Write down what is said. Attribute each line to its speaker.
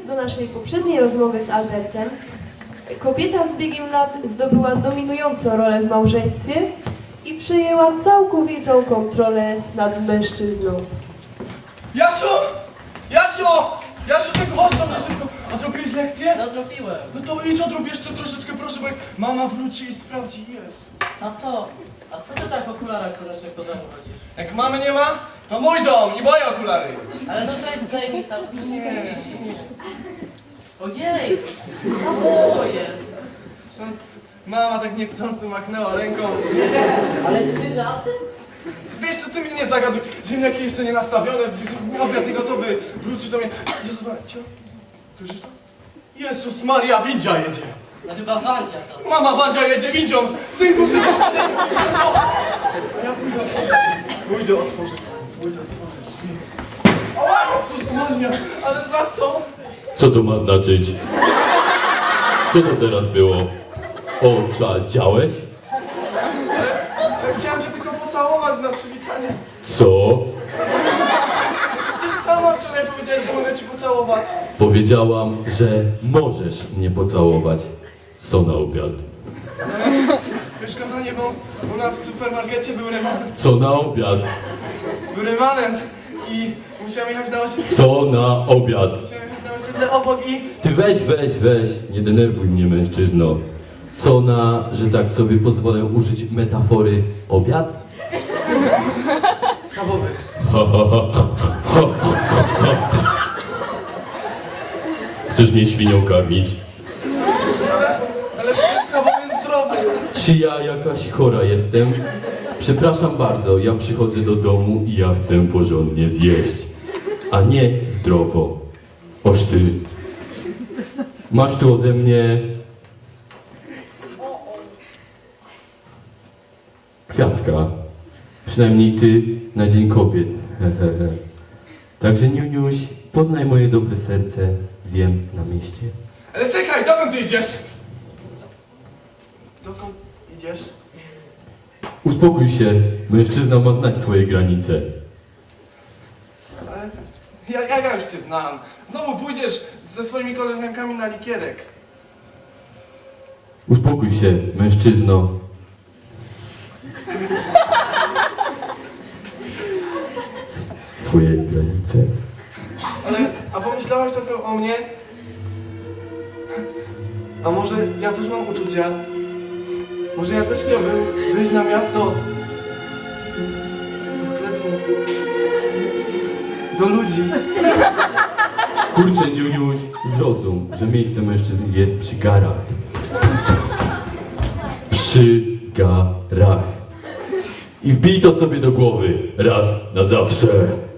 Speaker 1: do naszej poprzedniej rozmowy z Albertem, kobieta z biegiem lat zdobyła dominującą rolę w małżeństwie i przejęła całkowitą kontrolę nad mężczyzną.
Speaker 2: Jasiu! Jasiu! Jasiu, tak chodź do mnie szybko. Odrobiłeś lekcję?
Speaker 3: Nadrobiłem.
Speaker 2: No to idź odrób jeszcze troszeczkę, proszę, bo jak mama wróci i sprawdzi, jest.
Speaker 3: Tato, a co ty tak w okularach słonecznych po domu chodzisz?
Speaker 2: Jak mamy nie ma, to mój dom i moje okulary.
Speaker 3: Ale no to jest daj mi tam, przecież nic nie widzisz. Ojej! Co to jest?
Speaker 2: Mama tak niechcący machnęła ręką.
Speaker 3: Ale 3 razy?
Speaker 2: Wiesz co, ty mnie nie zagaduj. Ziemniaki jeszcze nie nastawione, obiad nie gotowy. Wróci do mnie. Jezus Maria, cio? Słyszysz to? Jezus Maria, windzia jedzie.
Speaker 3: No chyba Wandzia to.
Speaker 2: Mama Wandzia jedzie windzią. Synku, szybko. A ja pójdę otworzyć. Pójdę otworzyć. O, Jezus Maria, ale za co?
Speaker 4: Co to ma znaczyć? Co to teraz było? Oczadziałeś?
Speaker 2: Ja chciałem cię tylko pocałować na przywitanie.
Speaker 4: Co?
Speaker 2: No przecież sama wczoraj powiedziałeś, że mogę ci pocałować.
Speaker 4: Powiedziałam, że możesz mnie pocałować. Co na obiad?
Speaker 2: Wiesz, kochanie, bo u nas w supermarkecie był remanent.
Speaker 4: Co na obiad?
Speaker 2: Był remanent i musiałem jechać na osiedle.
Speaker 4: Co na obiad?
Speaker 2: Musiałem jechać na osiedle obok i...
Speaker 4: Ty weź, nie denerwuj mnie, mężczyzno. Co na, że tak sobie pozwolę użyć metafory, obiad?
Speaker 2: Schabowy.
Speaker 4: Chcesz mnie świnią karmić?
Speaker 2: Ale przecież schabowy jest zdrowy.
Speaker 4: Czy ja jakaś chora jestem? Przepraszam bardzo, ja przychodzę do domu i ja chcę porządnie zjeść, a nie zdrowo. Oż ty. Masz tu ode mnie kwiatka. Przynajmniej ty na Dzień Kobiet. Także Niuniuś, poznaj moje dobre serce, zjem na mieście.
Speaker 2: Ale czekaj, dokąd ty idziesz? Dokąd idziesz?
Speaker 4: Uspokój się, mężczyzna ma znać swoje granice.
Speaker 2: Ale ja już cię znam. Znowu pójdziesz ze swoimi koleżankami na likierek.
Speaker 4: Uspokój się, mężczyzno. Swoje granice.
Speaker 2: Ale, a pomyślałaś czasem o mnie? A może ja też mam uczucia? Może ja też chciałbym wyjść na miasto, do sklepu, do ludzi.
Speaker 4: Kurczę, Niuniuś, zrozum, że miejsce mężczyzn jest przy garach. Przy garach. I wbij to sobie do głowy raz na zawsze.